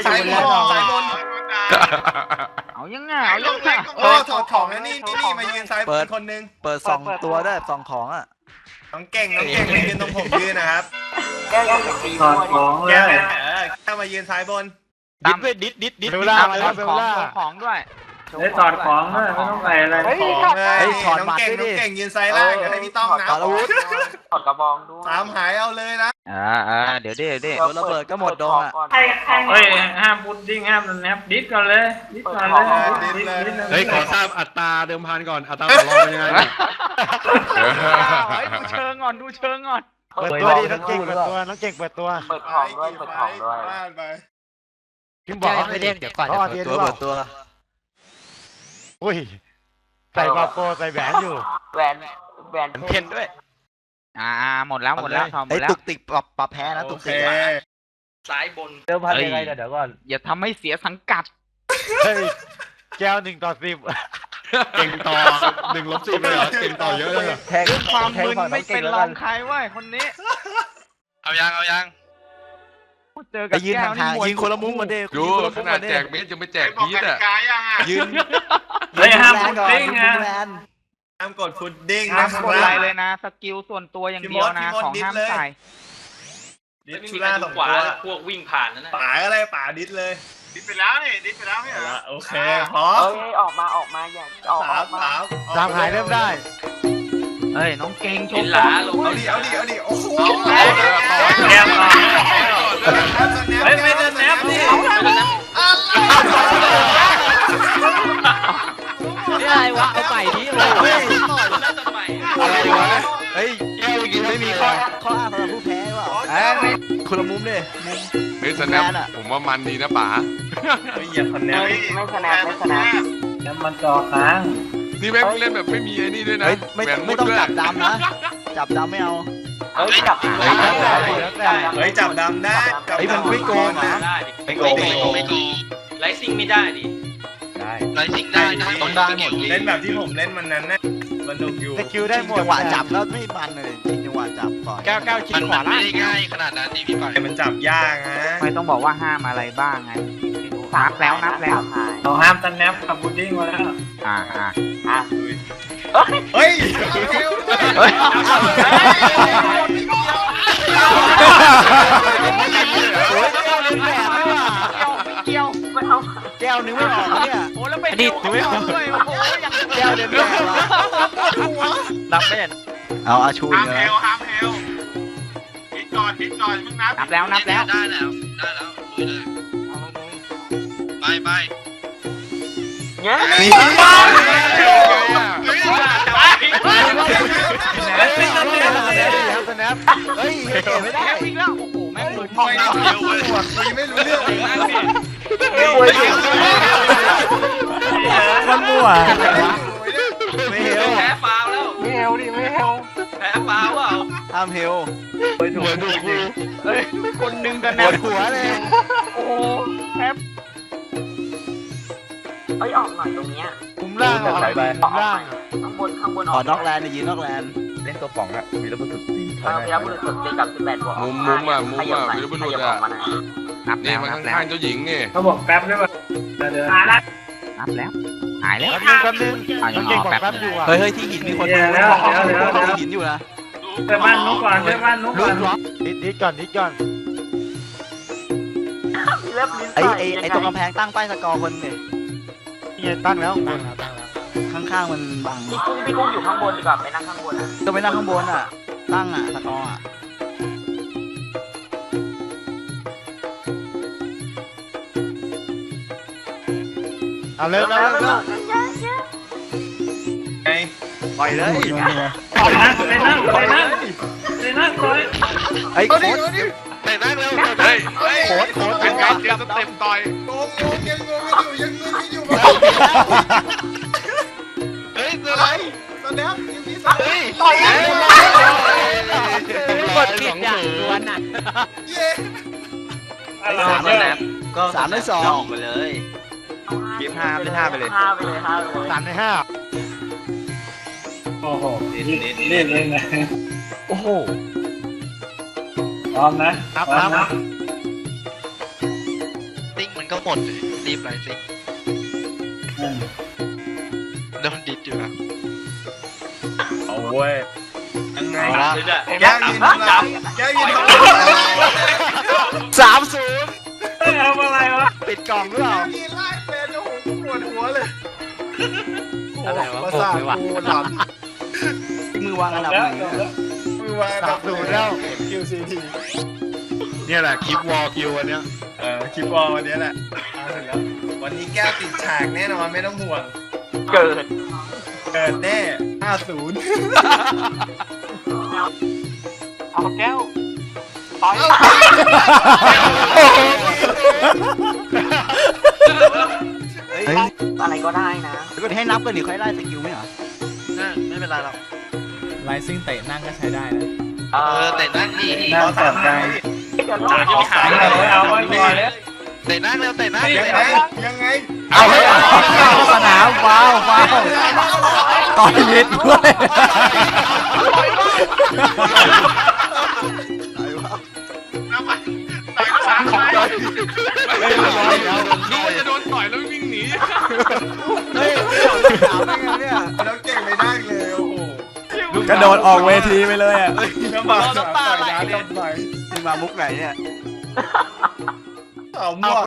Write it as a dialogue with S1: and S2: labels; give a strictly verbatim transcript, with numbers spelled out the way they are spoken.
S1: สายบนสายบน
S2: เอายังไงเอายังไง
S1: โอ้ถอดของแล้วนี่นี่นี่มายืนซ้ายบนคนนึง
S3: เปิดสองตัวได้สองของอ่ะ
S1: น้องเก่งน้องเก่งมายืนตรงผมยืนนะครับ
S4: แก้วยังตีถอดของเล
S1: แก้
S4: ยว
S1: เออแก้วมายืนซ้ายบน
S2: ดิดด้วยดิดดิดดิดเวลาของของด้วย
S4: ได้ถอดของด้วยไม่ต้องใส่อะไร
S1: ของเลยน้องเก่งน้องเก่งยืนซ้ายล่างเดี๋ยวให้พี่ต้องนะ
S3: ถอดอาวุธ
S4: ถอดกระบองด้วย
S1: ตามหายเอาเลยนะ
S2: อ่าอ่าเดี๋ยวดิเดี๋ยว
S3: โดนระเบิดก็หมดดงอ่ะ
S4: เฮ้ยห้ามพุดดิ้งห้ามแนบดิสก่อนเลยดิสก่อนเลยดิสเลย
S5: เฮ้ยขอทราบอัตราเดิมพันก่อนอัตราต่อรองเป็นยังไงเนี่ย
S2: ดูเชิงก่อนดูเชิงก่อน
S6: เปิดตัวดิน้องเก่งเปิดตัวน้องเก่งเปิดตัว
S4: เปิดของด้วยเปิดของด้วย
S6: พิมบอก
S3: ไม่เด้งเดี๋ยวก่อน
S6: เขาออน
S3: เปิ
S6: เทีย
S3: ด
S6: น
S3: ตัว
S6: หรือเป
S3: เปิดตัว
S6: ล่าอุ้ยใส่บาโปใส่แหวนอยู่
S4: แหวนแหวน
S2: เพ่นด้วยอ่าหมดแล้วหมดแล้วทอมหม
S3: ไอ้
S2: ดแล้ว
S3: ตุกติกปรับปรับแพ้นะ
S1: โอ
S3: ตุก
S1: เค
S3: ติก
S4: ซ้ายบน
S6: เดิมพันยังไงเดี๋ยวก่อน
S2: อย่าทำให้เสียสังกัด
S6: เฮ้ยแก้วหนึ่งต่อสิบ
S5: เก่งต่อหนึ่งลบสิบเลยเหรอเก่งต่อเยอะเลยเหรอ
S6: แทง
S2: ความ
S6: แทง
S2: มึน
S6: ฝั่งน้
S2: ไม่
S6: องเก่
S2: เป็
S6: ง
S2: น
S6: แล้ว
S2: ร
S6: กั
S2: อน งใครเว้ยคนนี้
S7: เอายังเอายัง
S2: เจอ
S3: ไป
S2: กับ
S3: ยืน
S2: แก้วนี่
S3: ห่าง
S2: ม
S3: ๆ
S2: วย
S3: ยิงคนละมุมกันเด้
S7: ดูขนาดแจกเม็ดยังไม่แจกพีทอ่ะ
S3: ยืน
S4: เฮ้ยห้ามพุด
S3: ก่อน
S4: ดิ้ง
S3: ยื
S4: นะ
S3: นแลน
S1: ห้ามกดฟุตดิ้ง
S2: ห้า
S1: นะ
S2: ม
S1: ค
S2: กดอะไร
S1: รับ
S2: เลยนะสกิลส่วนตัวอย่างเดียวนะของห้ามใส่
S1: ดิสชูล่าสองตัว
S4: พวกวิ่งผ่านนั่นนะ
S1: ป่าอะไรป่าดิสเลย
S7: ดิสไปแล้วนี่ดิสไปแล้วไม่เหรอ
S1: โอเคพร้อม
S4: เอ้ยออกมาออกมาอย่าออก
S1: สาม
S4: มา
S1: สาม
S6: ตามหายเริ่มได้
S2: เฮ้ยน้องเก่งโช
S4: เป็น
S2: ว์
S4: หลาลง
S1: เอาดิเอาดิเอาดิโอ้โห
S4: แนบก่อนเฮ้ยไม่เดินแนบดิไม่เดินแนบ
S3: นี่อะไรวะเอาใหม่ดิเลยเฮ้ย
S4: แล้วทำไม
S3: อะไรวะเฮ้ยไม่มีข้อข้ออ้างสำหรับผู้แพ้หรอ
S2: เอ้ยไม่
S3: คนละมุมดิมุม
S7: เฮ้ยสแนปผมว่ามันดีนะป๋า
S1: อย่าคนแนว
S4: ไม่ชนะไม่ชนะแล้วมันจอค้าง
S7: นี่แม่งเล่นแบบไม่มีไอ้นี่ด้วยนะ
S3: เฮ้ยไม่
S7: แหวนมุ
S3: ไม่
S7: ด
S3: ต้อง
S7: ด้วย
S3: จับดำนะจับดำไม่เอา
S4: เฮ้ยจับ
S6: เฮ้ยแล้วแต่
S1: เฮ้ยจับดำได้จับ
S3: เฮ้ยมันไม่โกงนะ
S4: ได้ดิ
S3: ไม่โกงไม่โกง
S4: ไม่โกงไลซิ่งไม่ได้ดิ
S6: ได้
S4: ไลซิ่งได้นะ
S3: ต้องได้หมด
S1: เล่นแบบที่ผมเล่นมันนั้นนะสนุกอยู่
S6: สกิลได้หมด
S3: จังหวะจับแล้วไม่มันเลยจริงจังหวะจับก่อน
S6: แก้วแก้วชิดขวาล่าง
S4: ง่ายขนาดนั้นนี่พี่ก่อน
S1: แต่มันจับยากนะ
S2: ไม่ต้องบอกว่าห้ามอะไรบ้างไงนับแล้วนับแล้ว
S4: เราห้ามสแนปกับบูดดิ้งมาแล้ว
S2: อ่าอ่า
S4: อ่ะ
S1: เฮ้ย
S2: เฮ้ย
S3: โอ้ยแก้วเล่นแบบไม่ว่า
S2: เกี่ยวไม่เอา
S3: แก้วนึงไม่ออกเนี่ย
S2: โอ้แล้วไปดิดไม่เอาด้วยโอ้โหอย่าง
S3: แก้วเล่นแบบวะ
S2: นับไม่เห็น
S3: เอาอาชูอีก
S7: ห้าม
S3: แล้
S7: เฮ
S3: ว
S7: ลห้ามเฮลฮิตก่อนฮิตก่อนมึงนับ
S2: นับแล้วนับแล้ว
S4: ได้แล้วได้แล้วลุยเลยไปไปเงี้ย
S3: มี
S6: แล้วสแนป
S3: เฮ้ยเก็บไม่ได้
S2: แก้วอีกแล้วโอ้โหแม่งลุย
S1: ไม่รู้เรื่องคุยไม่รู้เรื่องเลยนะ
S6: มันมั่ว
S3: ไม่เฮล
S4: แพ้ฟาวแล้ว
S6: ไม่เฮลดิไม่เฮล
S4: แพ้ฟาวเปล่า
S3: ห้ามเฮล
S6: หัวดูกู
S2: เฮ้ยคนหนึ่งกัน
S3: ป
S2: นะ
S3: วดหัวเลย
S2: โอ้โหแทบ
S4: เอ้ยออกหน่อยตรงเนี้ย
S6: มุมล่างออกไปมุมล่าง
S4: ข้างบนข้างบน
S3: ขอนอกแลนด์ยืนนอกแลนด์
S4: เออพีระบุรุษสุดตีกับสิบแปดบวก
S7: มุมมุมอ่ะมุมอ่ะวิรบุรุษอ่ะ
S2: นับ
S7: นี่
S2: แล้ว
S7: มัน
S2: นับแล้ว
S7: ข้างๆเจ้าหญิงนี่
S4: เขาบอกแป๊บได้ป่ะหาละ
S2: นับแล้วหายแล้ว
S6: แป๊บนึงแป๊บนึงน้องเก่งบอกแป๊บอยู่อ่ะ
S3: เฮ้ยเฮ้ยที่หินมีคนดูที่หินอยู่นะ
S4: เจอบ้านนุ๊กก่อนเจอบ้านนุ๊ก
S3: ลุ
S4: ก่อน
S3: กล็อก
S6: นิดนิดก่อนนิดก่อน
S4: เล็บลิ้น
S3: ไอ้ไอ้ไอ้ตรงกำแพงตั้งป้ายสกอร์คนเนี่ย
S6: นี่ตั้งแล้วตั้งแล้วตั้งแล้ว
S3: ข้างๆมันบัง
S4: พี่กุ้งพี่กุ้งอยู่ข้างบนดีกว่าไปนั่งข้างบนอ่ะ
S3: ก็ไปนั่งข้างบนอ่ะ ตั้งอ่ะสกอร์อ่ะ
S6: เอาเริ่มแล้วเริ่มแล้ว
S1: ไง
S3: ปล่อยเลย
S4: ไปนั่งไปนั่งไปนั่งไปนั่งเลย
S3: ไอ้โค้ด
S7: แต่นั่งเร็วเฮ้ยเฮ้ย
S3: โค้ดโค้ด
S7: เป็นการเจอสเต็ปต่อย
S1: โกงโกงยังโกงไม่อยู่ยังงงไม่อยู่
S7: เฮ้ยเจออะไร
S1: สแนปยังมีสแนป
S3: ต่อย
S2: กดผิดอย่างดวนอ่ะ
S1: เย้
S3: สามเลยนะก็สามในสอง
S2: ออกไปเลยเกมห้าเป็นห้าไปเลย
S4: ห้าไปเลยห้าไปเลย
S6: สามในห้า
S4: โอ้โหเล่นเล่นนะ
S2: โอ้โห
S4: พร้อมนะ
S6: นับนับ
S4: ติ้งดเลยรีบไรสิโดนดิดอยู่แล้ว
S1: เอาเว้ยยังไง
S3: เอาละ
S1: แก้วยืนทำอะไรแก้วยืนทำอะไร
S3: สามศูนย์
S7: ทำอะไรวะ
S3: ปิดกล่องหรือเปล่า
S1: แก้วยืนไล่เป็นโอ้โหปวดหัวเลย
S3: อะไรวะ
S1: ประสาท
S3: งงเลยว่ะ
S1: กูหลับ
S3: มือวางอันดับหนึ่งเนี่ย
S1: มือวางดับศูนย์แล้ว คิว ซี ที
S5: เนี่ยแหละคลิปวอลคิวอันเนี้ย
S1: เออคลิปวอลวันนี้แหละเอาถึงแล้ววันนี้แก้วติดฉากแน่นอนไม่ต้องห่วง
S7: เกิด
S1: เกิดแน่ห้าศูนย์
S7: เอาแก้วต่อย
S3: เฮ้ยอะไรก็ได้นะก็ให้นับกันหรือค่อยไล่สกิลไหมเหรอ
S4: ไม่เป็นไรหรอก
S8: ไลซิ่งเตะนั่งก็ใช้ได้นะ
S4: เออแต่นั่งดี
S1: น่าสนใจ
S7: จากที่ขายเลยเอาไว้ก่อนเลย
S4: แต่นั่งเร็วแต่นั่ง
S1: ยังไงยังไง
S8: เอาให้สนามว้าวว้าวต่อยลิดด้วย
S7: ต่อยสามไป
S5: เล่นร้อยแล้ว
S7: ดูว่าจะโดนต่อยแล้ววิ่งหนี
S3: เฮ้ยสามได้ไงเนี่ย
S1: แล้วเก่งไม่ได้เลยโอ้โห
S8: กระโดดออกเวทีไปเลยอ่ะ
S1: น้ำบากต่อยน้ำทำไม
S3: นี่มามุกไหนเนี่ย
S1: เอาหมวก